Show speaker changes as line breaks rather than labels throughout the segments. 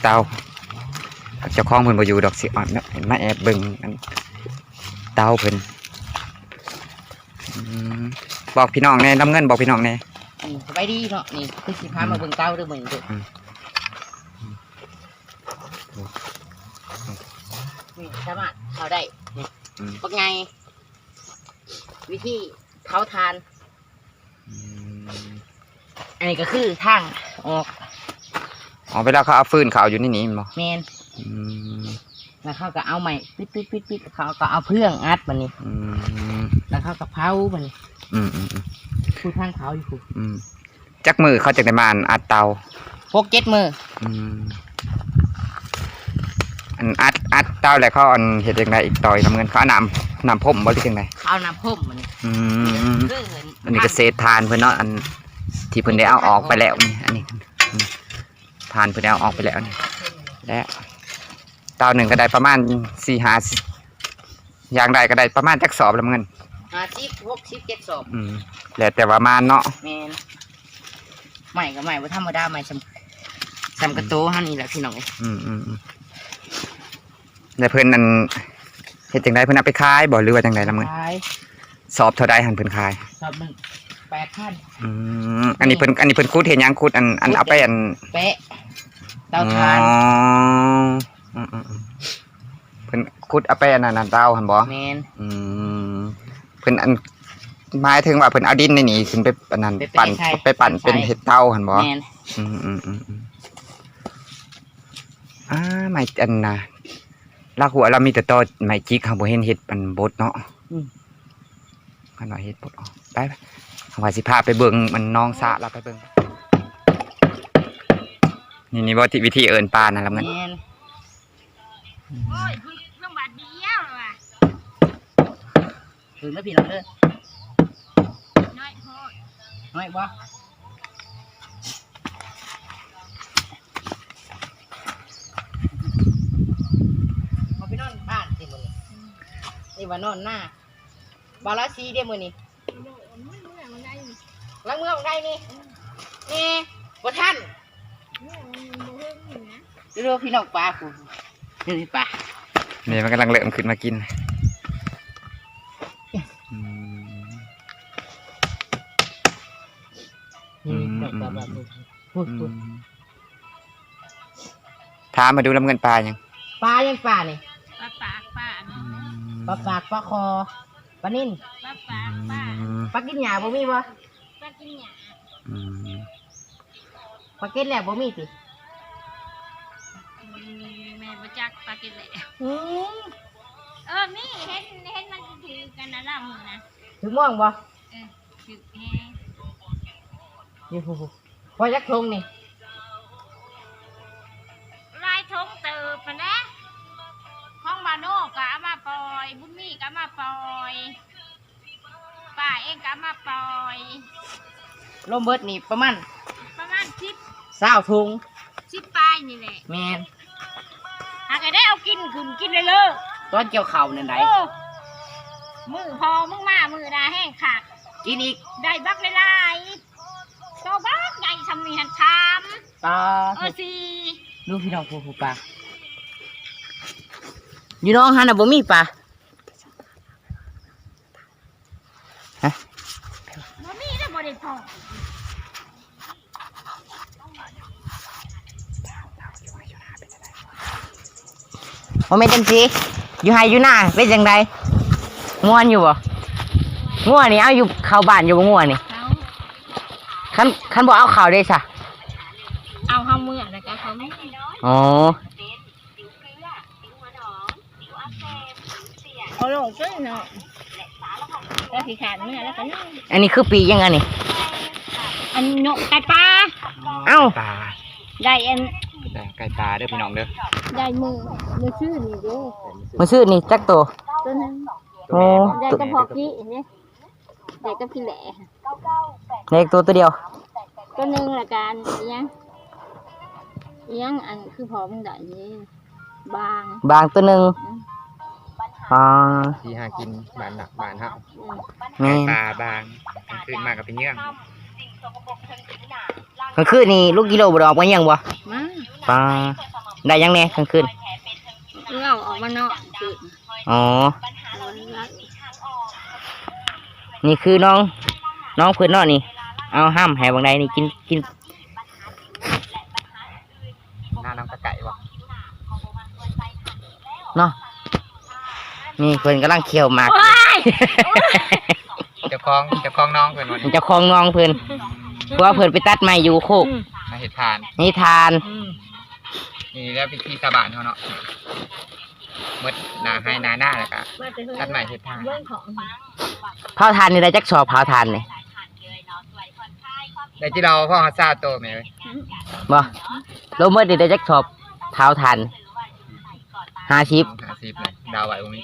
เตาเจ้าของเพิ่นบ่อยู่ดอกสิอ่อนมาแอบเบิ่งเตาเพิ่นบอกพี่น้องแน่น้ำเงินบอกพี่น้องแน่
สบายดีเนาะนี่คือสิพามาเบิ่งเตาเด้อมื้อนี้เด้อนี่สามารถเอาได้นี่ปักไงวิธีเผาทานอันนี้ก็คือทางออก
เวลาเขาเอาฟืนเขาอยู่นี่มั้ง
แมนแล้วเขาก็เอาใหม่ปิดเขาก็เอาเพื่องอัดมันนี่แล้วเขาก็เผามันนี่คือทางเผาอยู่คือ
จักมือเขาจะได้มาอัดเตา
6-7 มือ
อันอัดเตาแล้วเขาเห็ดยังไงอีกต่อยน้ำเงินเขานำพ่มบ่หรือยังไง
เอาน้ำพ่มมัน
อันนี้ก็เศษทานเพื่อนเนาะอันที่เพื่อนได้เอาออกไปแล้วนี่อันนี้ทานเพื่อนได้เอาออกไปแล้วนี่และเตาหนึ่งก็ได้ประมาณ4-5อย่างใดก็ได้ประมาณจักสอบน้ำเงิน
50-60-7 สอบ
แล้วแต่ว่ามาเนาะ
แมนใหม่ก็ใหม่ว่าธรรมดาใหม่สำกระโตฮันนี่แหละพี่น้อง
แล้วเพื่อนนั่นเห็ดจังไดเพื่อนเอาไปขายบ่หรือว่าจังไดน้ำเงินสอบเท่าใดหันเพื่อนขาย
สอบ1 8,000
อันนี้เพิ่นคูดเห็นยังคูดอันเอาไป
แปะเตาถ่าน
เพิ่นคูดเอาไปนั่นเตาหันบ่
แม่น
เพิ่นหมายถึงว่าเพิ่นเอาดินในนี่ขึ้นไปอันนั้นปั่นเป็นเห็ดเตาหันบ่
แม่น
ไม้อันน่ะลากหัวเรามีแต่ตอไม้จิกเฮาบ่เห็นเห็ดมันบดเนาะคันว่าเห็ดบดไปว่าสิพาไปเบิ่งมันน้องสะเราไปเบิ่งนี่บ่วิธีเอิ้นปลานั่นล่ะเงิน
โอ้ยเรื่องบาดเดียวว่ะ
ถึงแล้วพี่น้องเด้อ
น้อยโพด
น้อยบ่มาไปนอนบ้านสิมื้อนี้นี่ว่านอนหน้าบาลาซีเด้อมื้อนี้ล้างเมื่อของใดนี่บ่ทันดูพี่น้องปลากูนี่ปลา
นี่มันกำลังเริ่มขึ้นมากินถามมาดูลำเงินปลายัง
ปลานี่
ปลา
ปากปลาคอปลานิ่นปลากินหญ้าบ่มีบ่
ปลากินหญ้า
ปลากินแล้วบ่มีติ
แม่บ่จักปลากินแล้วนี่เห็นมันถือกันนะล่ะมึงนะ
ถือม่วงบ่
ถือแฮง
นี่พอจักทงนี่
ลายทงเติบปะนะของบาโน่ก็เอามาปล่อยบุญมีก็มาปล่อยป้าเองก็มาปล่อย
ลมเบิดนี่ประมาณ
20
ถุง
10ปลายนี่แหละ
แม่น
หากได้เอากินขึ้นกินเลย
ตอนเกี่ยวข้าวนั่นได
มือพอมึงมามือดาแห้งขาด
กินอีก
ได้บักหลายๆโตบักใหญ่ทำนี่หันชามสิ
ดูพี่น้องผู้ปลาอยู่น้องฮันน่ะบ่มีปลา
บ่มีแล้วบ่ได้พอ
ว่าไม่จังสิอยู่ไฮอยู่หน้าเป็นจังไดง่วนอยู่บ่ง่วนนี่เอาอยู่เข้าบ้านอยู่บ่ง่วนนี่คันบ่เอาเข้าได้ซะ
เอาเฮามื้อแล้วก็เขาไม่
อ๋อ
เอาลงซื้อเนาะแล้วสิขาดมื้อแล้วก็นี่
อันนี้คือปียังไงนี่
อันนกไก่ปลา
เอ้า
ได้
ไก่ปลาเด้อพี่น้องเด้อ
ได้มือชื่อนี่เด้อ
มือชื่อนี่จักตัว
นึง
โอ้
ได้กระเพาะกี้นี่ได้กระพิแหล่
เล็กตัวเดียว
ตัวนึงละกันยังอันคือพอมึงได้นี่
บางตัวนึง
ที่หากินบ้านเฮาปลาบางขึ้นมากับเป็นเยื่อง
มันคือนี่ลูกกิโลบ่ดอกมายังบ่
มา
ปลาได้ยังแน่กลางคืน
เงาออกมาเนาะคือ
อ๋อนี่คือน้องเพื่อนเนาะนี่เอาห้ามให้บางใดนี่กิน
หน้าน้ำตะไก่บ่
เนาะนี่เพื่อนกำลังเคี่ยวหมาก
เจ้าของน้องเพิ่นวันนี้
เจ้าของน้องเพื่อนเพราะว่าเพื่อนไปตัดไม้อยู่โคก
มาเฮ็ดทาน
นี่ทาน
นี่แล้วพิธีสาบานเขาเนาะหมดหน้าให้หน้าแล้วก็ตัดใหม่เฮ็ดทาน
เผาทานนี่ได้จักสอบเผาทานนี่
แต่ที่เราพ่อเขาทราบโตไหมเว้ย
บ่ลงเมื่อดีได้จักสอบเผาทาน50
50เลยดาวไหวบ่มี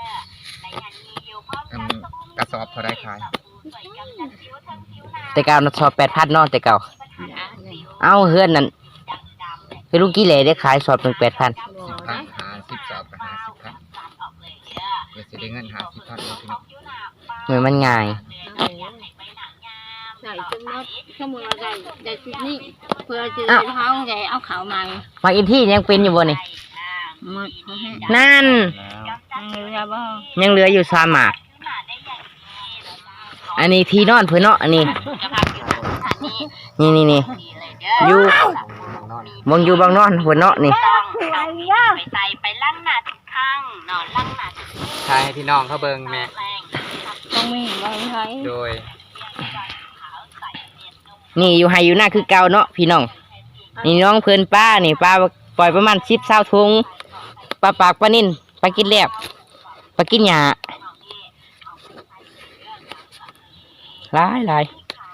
กระสอบเขาได้ขาย
แต่เก่าน่ะสอบ8,000เนาะแต่เก่าเอาเฮือนนั่นคือลุงกี้เหล่ได้ขายสอบถึง8,000
10,000 50สอบกับ50ครับเดี๋ยวสิได้เงิน50,000เนาะพี่น้อง
เหมือนมันง่าย
ใส่จนนัดสมุนไพรได้ชุดนี้เพื่อจะเขาใหญ่เอาเขามา
มาอินที่ยังเป็นอยู่บ่นี่
หมดเขาให้
นั่น
แล้วบ่
ยังเหลืออยู่3หมากอันนี้ที่นอนเพิ่นเนาะอันนี้นี่อยู่มองอยู่บางนอนเพิ่นเนาะนี่
ใส่ไปลั่งหนาทุกครั้งนอนลั่งหนา
ทายให้พี่น้องเขาเบิ่งแม่
ต้องมีบางไทย
โดย
นี่อยู่ไห้อยู่หน้าคือเก่าเนาะพี่น้องนี่น้องเพิ่นป้านี่ป้าปล่อยประมาณ10-20ถุงปลาปากปลานิ่นปลากินแลบปลากินหญ้าหลาย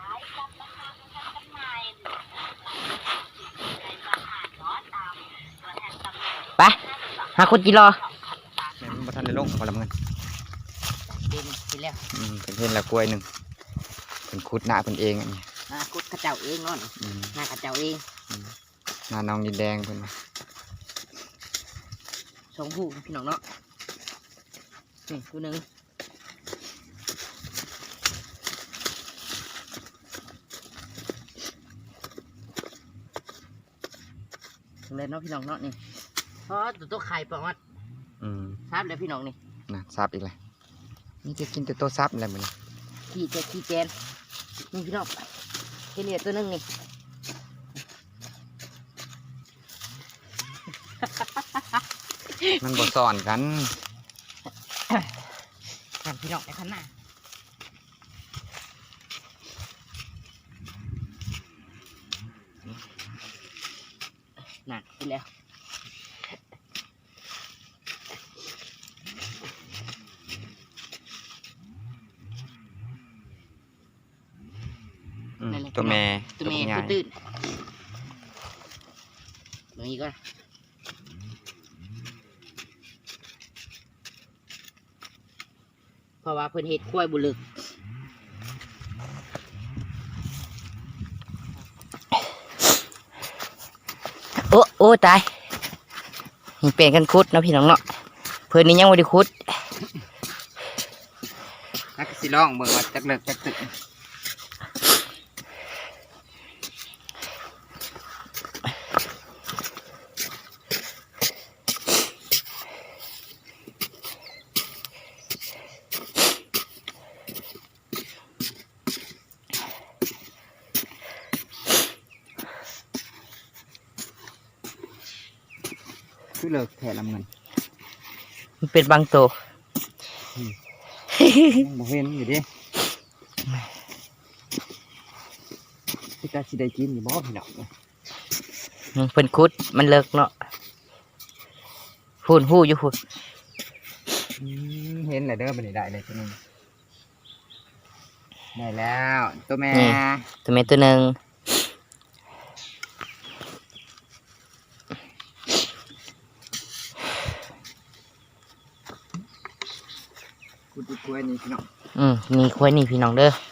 ไปหาคนจีรอ
แม่มันบ่ทันได้ลงบ่ละเงิน
กินแล้ว
เป็นเพิ่นละกล้วยหนึงเพิ่นขุดหน้าเพิ่นเองอันนี้
กุดกระเจ้าเองเนาะหน้ากระเจ้าเอง
หน้าน้องดินแดงเพิ่นว่า
สองผู้พี่น้องเนาะนี่ผู้หนึ่งเลยเนาะพี่น้องเนาะนี่เพราะตัวไข่ประมาณ ทราบเลยพี่น้องนี่
น่ะซับอีกเลยนี่จะกินแต่ตัวซับอะไรมื้อนี้
ขี้แจนนี่พี่น้องเฮเลียตัวหนึงนี่
มันบ่ซ้อนกัน
นั่นพี่น้องไปข้างหน้านั่นกินแล้ว
ตัวแม่
ตัวเมย์
ใหญ่
ตัวตื้นตรงนี้ก็เพราะว่าเพิ่นเฮ็ดกล้วยบุลึกโอ้ตายนี่เป็นกันคุดเนาะพี่น้องเนาะเพิ่นนี่ยังบ่ได้คุด
นักสิร้องเบิ่งว่าจักเลิกจักตึก คือเลิกแท้ละเงิน
มันเป็นบางตัว
ยังบ่เห็นอยู่ดิพี่ตาสิได้กินอยู่บ่พี่น้อง
เพิ่นคุดมันเลิกเนาะพูนหู้อยู่พูน
เห็นแล้วเด้อบัดนี้ได้เลยตัวหนึงได้แล้วตัวแม่
ตัวเมตัวหนึ่ง
กูดูกล้วยนี่พี่น้อง
มีควายนี่พี่น้องเด้อ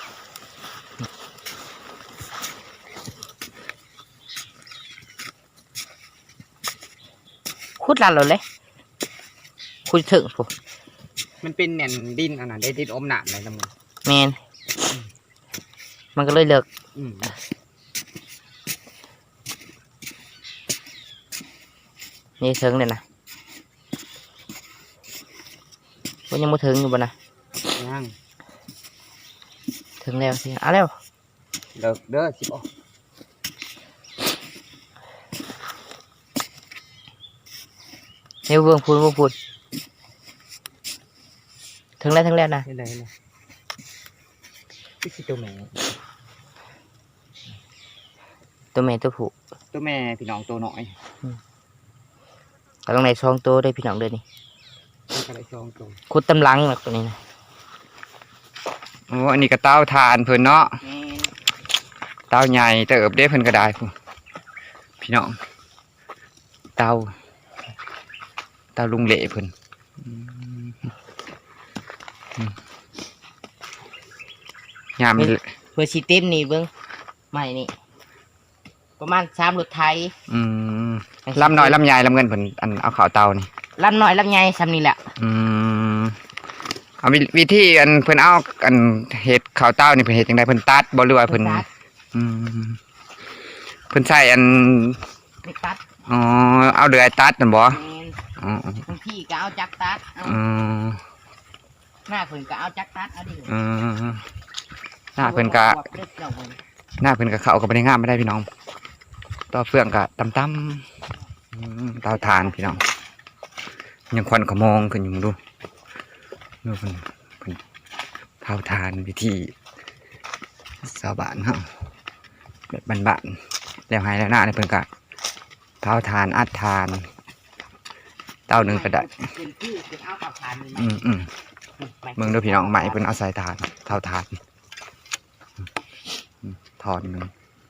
คุดลันเราเลยคุดถึงพู
มันเป็นแหน่นดินอันนั้นได้ดินอมหนามเลยละมึง
แมนมันก็เลยเลิก
อืม
นี่เถิงเลยนะว่ายังไม่ถึงอยู่บ่นะ
ยัง
ถึงแล้วสิเอาแล้ว
เลิกเด้อสิบ่
เดี๋ยวเบิ่งพูดถึงแล้วนะ
นี่เลยนะนี่คือตัวแม่
ตัวแม่ตัวผู้
ตัวแม่พี่น้องตัวน้อย
ก็ต้องในช่องตัวได้พี่น้องเด้อนี่
มันก็ได้สองตัว
ขุดตำลังแบบนี้นะ
โอ้อันนี้ก็เต้าทานเพิ่นเนาะเต้าใหญ่เติบเด้เพิ่นก็ได้พุ่นพี่น้องเต้าลุงเหล่เพิ่นยาม
เพื่อชีเต็มนี่เบิ่งใหม่นี่ประมาณ3รถไทย
ลำน้อยลำใหญ่ลำเงินเพิ่นอันเอาข้าวเตานี่
ลำน้อยลำใหญ่ซ้ำนี่แหละ
เอาวิธีอันเพิ่นเอาอันเฮ็ดข้าวเต้านี่เพิ่นเฮ็ดจังไดเพิ่นตัดบ่หรือว่าเพิ่นเพิ่นใช้อัน
ไม่ตัด
อ๋อเอาเดือยตัดนั่นบ่
แม่น
อ๋อบ
างทีก็เอาจักรตัดเอา
อืม
หน้าเพิ่นก็เอาจักรตัดเอาดิ
อืมหน้าเพิ่นก็หน้าเพิ่นก็เข้ากับบ่ได้งามไม่ได้พี่น้องต่อเฟืองก็ต่ำๆเตาถ่านพี่น้องยังควันขโมงขึ้นอยู่มึงดูดูเพิ่นเตาถ่านวิธีชาวบ้านเฮาแบบบ้านๆแล้วให้แล้วหน้าเนี่ยเพิ่นก็เตาถ่านอัดถ่านเตาหนึงก็ได้
เป็นที่เป็นเอากับทานนี่
เมืองดูพี่น้องใหม่เพิ่นเอาใส่ถ่านเตาถ่านถอนหนึง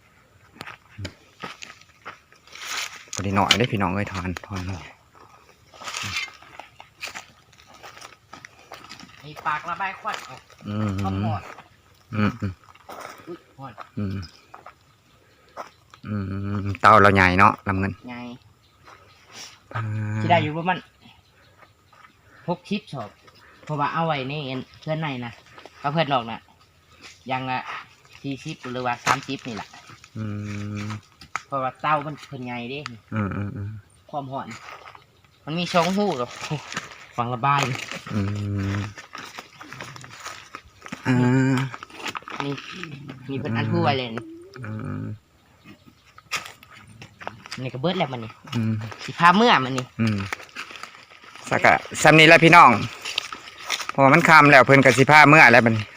พอดีหน่อยได้พี่น้องเอ้ยถอนหน่อย
มีปากระบายควันออก
อืม
ก็หมด
อืม
อุ้ยหมด
เตาเราใหญ่เนาะลำเงิน
ไงที่ได้อยู่ประมาณ60 ชอบเพราะว่าเอาไว้ในเพื่อนในนะก็เพื่อนนอกนะยังละ40หรือว่า30นี่แหละ
อืม
เพราะว่าเต้ามันเพิ่นใหญ่เด้ ความหอนมันมีช่องหูหรอฟังระบาย นี่มีเพิ่นอันพูไว้เลยนี่ก็เบิดแล้วมันนี่สิพาเมื่อมันนี่
สักกะซ้ำนี้แหล้วพี่น้องเพราะว่ามันคำแล้วเพิ่นกับสิผ้าเมื่อแล้วมัน